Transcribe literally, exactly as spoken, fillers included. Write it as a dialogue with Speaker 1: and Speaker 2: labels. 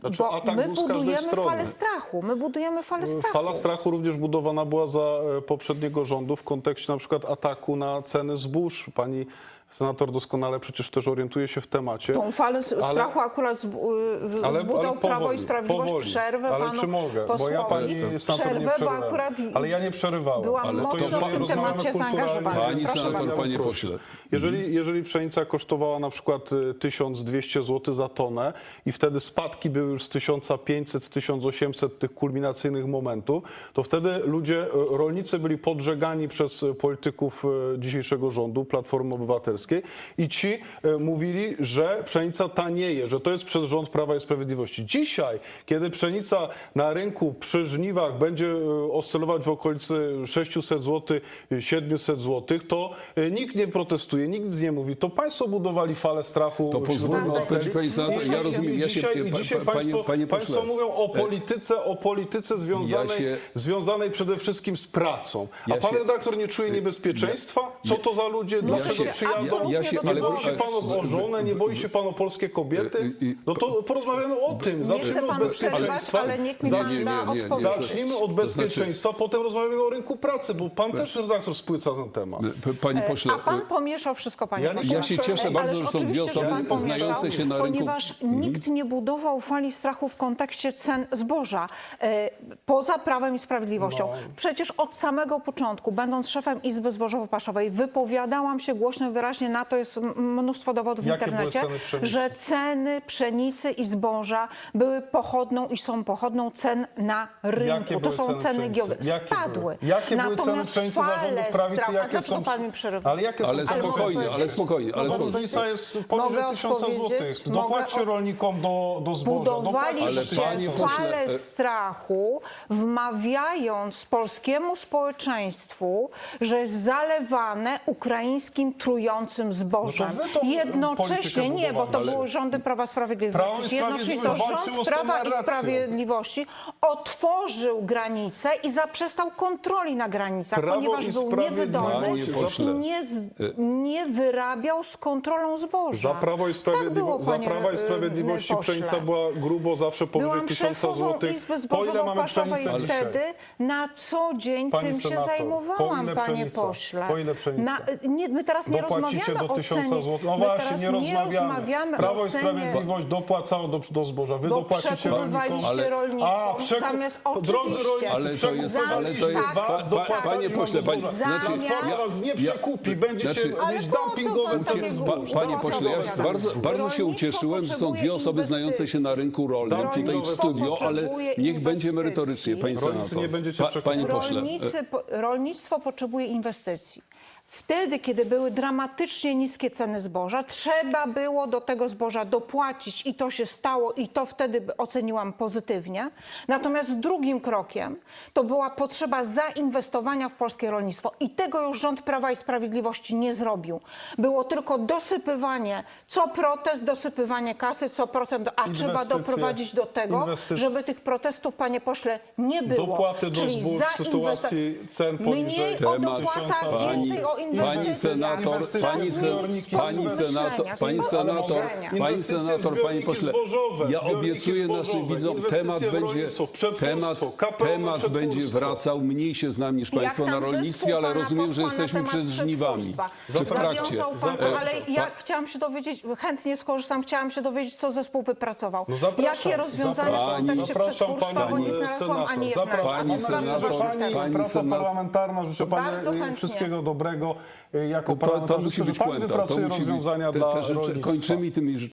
Speaker 1: Znaczy,
Speaker 2: Bo
Speaker 1: atak
Speaker 2: my
Speaker 1: był z każdej
Speaker 2: budujemy
Speaker 1: strony.
Speaker 2: falę strachu. My budujemy falę strachu.
Speaker 1: Fala strachu również budowana była za e, poprzedniego rządu w kontekście na przykład ataku na ceny zbóż. Pani senator doskonale przecież też orientuje się w temacie.
Speaker 2: Tą falę s-
Speaker 1: Ale-
Speaker 2: strachu akurat zbu- y,
Speaker 1: Ale,
Speaker 2: wzbudzał
Speaker 1: ale
Speaker 2: Prawo
Speaker 1: powoli,
Speaker 2: i Sprawiedliwość.
Speaker 1: powoli.
Speaker 2: Przerwę
Speaker 1: Ale
Speaker 2: panu
Speaker 1: czy mogę? Bo ja
Speaker 2: posłowi.
Speaker 1: pani senator nie
Speaker 2: Przerwę, bo
Speaker 1: przerywałem.
Speaker 2: akurat
Speaker 1: Ale ja nie przerywałem.
Speaker 2: byłam
Speaker 3: Ale to
Speaker 2: mocno
Speaker 3: jeżeli
Speaker 2: w tym
Speaker 1: rozmawiamy
Speaker 2: temacie
Speaker 1: kulturalnie-
Speaker 2: zaangażowana.
Speaker 3: Pani
Speaker 2: Proszę
Speaker 3: senator,
Speaker 2: bardzo.
Speaker 3: panie pośle.
Speaker 1: Jeżeli, jeżeli pszenica kosztowała na przykład y, tysiąc dwieście złotych za tonę i wtedy spadki były już z tysiąc pięćset, z tysiąc osiemset tych kulminacyjnych momentów, to wtedy ludzie, y, rolnicy byli podżegani przez y, polityków y, dzisiejszego rządu, Platformy Obywatelskiej i ci y, mówili, że pszenica tanieje, że to jest przez rząd Prawa i Sprawiedliwości. Dzisiaj, kiedy pszenica na rynku przy żniwach będzie y, oscylować w okolicy sześćset złotych, siedemset złotych, to y, nikt nie protestuje, nikt nic nie mówi. To państwo budowali falę strachu.
Speaker 3: To
Speaker 1: wśród
Speaker 3: pozwólmy
Speaker 1: obywateli.
Speaker 3: odpowiedzieć, pani senator. Ja
Speaker 1: I
Speaker 3: rozumiem, ja się-
Speaker 1: dzisiaj,
Speaker 3: pa-
Speaker 1: dzisiaj
Speaker 3: pa-
Speaker 1: państwo,
Speaker 3: panie- panie pośle.
Speaker 1: państwo mówią o polityce, o polityce związanej,
Speaker 3: Ja się-
Speaker 1: związanej przede wszystkim z pracą. A
Speaker 3: Ja
Speaker 1: pan
Speaker 3: się-
Speaker 1: redaktor nie czuje niebezpieczeństwa? Co to za ludzie? Dlaczego
Speaker 2: się
Speaker 1: przyjadą?
Speaker 2: absolutnie
Speaker 3: Ja się-
Speaker 1: Nie
Speaker 3: ale-
Speaker 1: boi się pan o żonę? Nie boi się pan o polskie kobiety? No to porozmawiamy o tym.
Speaker 2: Nie
Speaker 1: Zacznijmy
Speaker 2: chcę
Speaker 1: od
Speaker 2: panu przerwać,
Speaker 1: bezpieczeństwa.
Speaker 2: ale niech mi
Speaker 1: Zacznijmy-
Speaker 2: pan da
Speaker 3: nie, nie, nie.
Speaker 2: odpowiedzieć.
Speaker 1: Zacznijmy od bezpieczeństwa, potem rozmawiamy o rynku pracy, bo pan też redaktor spłyca ten temat.
Speaker 3: P- Panie pośle,
Speaker 2: A pan pomieszał wszystko, panie
Speaker 1: Ja nie-
Speaker 2: pośle.
Speaker 1: Ja się
Speaker 3: cieszę
Speaker 2: Ej,
Speaker 3: bardzo,
Speaker 2: ależ
Speaker 3: że są dwie
Speaker 2: oczywiście, że
Speaker 3: osoby
Speaker 2: pan pomieszał,
Speaker 3: znające się na rynku.
Speaker 2: Ponieważ nikt nie budował fali strachu w kontekście cen zboża, e, poza Prawem i Sprawiedliwością.
Speaker 1: No.
Speaker 2: Przecież od samego początku, będąc szefem Izby Zbożowo-Paszowej, wypowiadałam się głośno i wyraźnie, na to jest m- mnóstwo dowodów w
Speaker 1: Jakie były
Speaker 2: internecie,
Speaker 1: ceny pszenicy?
Speaker 2: że ceny pszenicy i zboża były pochodną i są pochodną cen na rynku.
Speaker 1: Jakie
Speaker 2: To
Speaker 1: były
Speaker 2: są
Speaker 1: ceny
Speaker 2: ceny
Speaker 1: pszenicy?
Speaker 2: giełdowe.
Speaker 1: Jakie
Speaker 2: Spadły.
Speaker 1: były? Jakie były ceny
Speaker 2: Natomiast
Speaker 1: pszenicy za rządów
Speaker 2: fale
Speaker 1: prawicy?
Speaker 2: strachu- A
Speaker 1: Jakie
Speaker 2: dlaczego
Speaker 1: są...
Speaker 2: pan mi przerywa?
Speaker 1: Ale jakie są
Speaker 3: ale
Speaker 1: ceny
Speaker 3: spokojnie,
Speaker 1: pszenicy?
Speaker 3: ale spokojnie, ale
Speaker 1: No,
Speaker 3: spokojnie.
Speaker 1: różnica jest poniżej
Speaker 2: Mogę
Speaker 1: tysiąca złotych.
Speaker 2: odpowiedzieć?
Speaker 1: Dopłaćcie
Speaker 2: Mogę-
Speaker 1: rolnikom do, do zboża.
Speaker 3: Ale
Speaker 2: Budowaliście
Speaker 3: panie pośle,
Speaker 2: falę
Speaker 3: e-
Speaker 2: strachu, wmawiając polskiemu społeczeństwu, że jest zalewane ukraińskim trującym zbożem.
Speaker 1: No to wy tą
Speaker 2: Jednocześnie,
Speaker 1: politykę
Speaker 2: nie, bo to
Speaker 1: budowali.
Speaker 2: były rządy Prawa i Sprawiedliwości.
Speaker 1: Prawo i
Speaker 2: Jednocześnie to
Speaker 1: Sprawiedliwość walczyło
Speaker 2: rząd
Speaker 1: z tą
Speaker 2: Prawa i
Speaker 1: narracją.
Speaker 2: Sprawiedliwości otworzył granice i zaprzestał kontroli na granicach,
Speaker 1: Prawo
Speaker 2: ponieważ
Speaker 1: i
Speaker 2: był
Speaker 1: Sprawiedliwość-
Speaker 2: niewydolny
Speaker 3: Panie pośle.
Speaker 2: i nie, z, nie wyrabiał z kontrolą zboża.
Speaker 1: Za Prawo i,
Speaker 2: Tak było,
Speaker 1: Sprawiedliwości, za
Speaker 2: panie,
Speaker 1: Prawa i
Speaker 2: y,
Speaker 1: Sprawiedliwości
Speaker 2: pośle.
Speaker 1: pszenica była grubo zawsze powyżej
Speaker 2: Byłam
Speaker 1: tysiąca
Speaker 2: szefową
Speaker 1: złotych.
Speaker 2: Izby
Speaker 1: Po ile mamy
Speaker 2: Zbożowo-Paszowej
Speaker 1: pszenicy dzisiaj?
Speaker 2: wtedy na co dzień
Speaker 1: Pani
Speaker 2: tym się
Speaker 1: senator, po
Speaker 2: zajmowałam,
Speaker 1: ile
Speaker 2: panie
Speaker 1: pszenica?
Speaker 2: pośle.
Speaker 1: Po ile pszenica?
Speaker 2: nie, my teraz nie
Speaker 1: Dopłacicie
Speaker 2: rozmawiamy
Speaker 1: do
Speaker 2: o
Speaker 1: tysiąca
Speaker 2: cenie.
Speaker 1: złotych. No
Speaker 2: my
Speaker 1: właśnie,
Speaker 2: teraz
Speaker 1: nie rozmawiamy.
Speaker 2: rozmawiamy
Speaker 1: Prawo
Speaker 2: o
Speaker 1: i
Speaker 2: cenie.
Speaker 1: Sprawiedliwość dopłacało do, do zboża. Wy
Speaker 2: Bo
Speaker 1: dopłacicie
Speaker 2: przekupywaliście
Speaker 1: rolnikom.
Speaker 2: rolników,
Speaker 1: A, przeku-
Speaker 2: zamiast
Speaker 1: Drodzy
Speaker 2: oczywiście-
Speaker 1: rolnicy,
Speaker 3: Ale to jest, ale to
Speaker 1: przekupywaliśmy
Speaker 3: jest,
Speaker 1: was,
Speaker 3: pa,
Speaker 1: dopłacali
Speaker 3: panie
Speaker 1: wam
Speaker 3: pośle,
Speaker 1: do
Speaker 3: pani,
Speaker 1: zboża.
Speaker 3: znaczy,
Speaker 1: Platforma was nie przekupi, będziecie
Speaker 3: znaczy-
Speaker 2: Ale
Speaker 1: mieć
Speaker 2: po co
Speaker 1: dumpingowe
Speaker 2: pan
Speaker 1: ceny
Speaker 2: takie
Speaker 1: zboża.
Speaker 2: głupi-
Speaker 3: Panie pośle, ja
Speaker 2: Dobra,
Speaker 3: bardzo, bardzo się
Speaker 2: rolnictwo
Speaker 3: ucieszyłem, że są
Speaker 2: potrzebuje
Speaker 3: dwie osoby znające się na rynku rolnym tutaj w
Speaker 2: Rolnictwo
Speaker 3: studio, ale
Speaker 2: potrzebuje
Speaker 3: niech będzie
Speaker 2: inwestycji.
Speaker 3: merytorycznie, pani
Speaker 1: Rolnicy
Speaker 3: senator.
Speaker 1: nie będziecie
Speaker 3: Panie pośle,
Speaker 2: Rolnicy, po- rolnictwo potrzebuje inwestycji. Wtedy, kiedy były dramatycznie niskie ceny zboża, trzeba było do tego zboża dopłacić i to się stało i to wtedy oceniłam pozytywnie. Natomiast drugim krokiem to była potrzeba zainwestowania w polskie rolnictwo i tego już rząd Prawa i Sprawiedliwości nie zrobił. Było tylko dosypywanie, co protest, dosypywanie kasy, co procent, a trzeba
Speaker 1: Inwestycje,
Speaker 2: doprowadzić do tego,
Speaker 1: inwestycje.
Speaker 2: żeby tych protestów, panie pośle, nie było.
Speaker 1: Dopłaty do
Speaker 2: Czyli
Speaker 1: zbóż w
Speaker 2: zainwesta-
Speaker 1: sytuacji cen poniżej
Speaker 2: Mniej o
Speaker 3: Temat-
Speaker 2: dopłatach,
Speaker 3: Pani-
Speaker 2: więcej o
Speaker 3: Pani
Speaker 2: inwestycjach.
Speaker 3: senator,
Speaker 1: Inwestycje
Speaker 3: pani,
Speaker 1: w
Speaker 3: se,
Speaker 1: zbiorniki,
Speaker 3: pani
Speaker 1: sposób
Speaker 3: senator,
Speaker 2: myślenia,
Speaker 3: pani
Speaker 2: sposób
Speaker 3: senator,
Speaker 2: myślenia.
Speaker 3: pani
Speaker 1: Inwestycje w
Speaker 3: senator, panie
Speaker 1: zbiorniki
Speaker 3: pośle,
Speaker 1: zbożowe,
Speaker 3: ja
Speaker 1: zbiorniki
Speaker 3: obiecuję naszym
Speaker 1: zbożowe,
Speaker 3: widzom,
Speaker 1: inwestycje
Speaker 3: temat
Speaker 1: w
Speaker 3: będzie,
Speaker 1: rolnictwo, w przetwórstwo,
Speaker 3: temat,
Speaker 1: K P O na
Speaker 3: temat będzie
Speaker 1: przetwórstwo.
Speaker 3: wracał, mniej się znam niż
Speaker 2: Jak
Speaker 3: państwo na
Speaker 2: tam
Speaker 3: rolnictwie,
Speaker 2: zespół
Speaker 3: ale
Speaker 2: pana
Speaker 3: rozumiem, że
Speaker 2: posła na
Speaker 3: jesteśmy
Speaker 2: temat
Speaker 3: przed żniwami,
Speaker 2: przetwórstwa.
Speaker 3: czy w trakcie.
Speaker 2: Zawiązał pan,
Speaker 1: Zapraszam.
Speaker 2: ale ja
Speaker 3: Pa-
Speaker 2: chciałam się dowiedzieć, chętnie skorzystam, chciałam się dowiedzieć, co zespół wypracował.
Speaker 1: No zapraszam,
Speaker 2: Jakie rozwiązania w
Speaker 3: zapraszam.
Speaker 2: kontekście
Speaker 1: Zapraszam
Speaker 2: przetwórstwa, bo
Speaker 1: panią
Speaker 2: nie znalazłam ani jednego.
Speaker 1: Zapraszam.
Speaker 3: Pani
Speaker 1: Mam nadzieję, że
Speaker 3: senator,
Speaker 1: pani,
Speaker 3: pani
Speaker 1: praca
Speaker 3: senator-
Speaker 1: parlamentarna, życzę pani
Speaker 2: Bardzo chętnie.
Speaker 1: wszystkiego dobrego jako
Speaker 3: To, to, to
Speaker 1: parlamentarzysta,
Speaker 3: musi
Speaker 1: że
Speaker 3: być
Speaker 1: pani
Speaker 3: puenta. To
Speaker 1: wypracuje
Speaker 3: musi być,
Speaker 1: rozwiązania
Speaker 3: te,
Speaker 1: dla
Speaker 3: te rzeczy,
Speaker 1: rolnictwa.
Speaker 3: kończymy tymi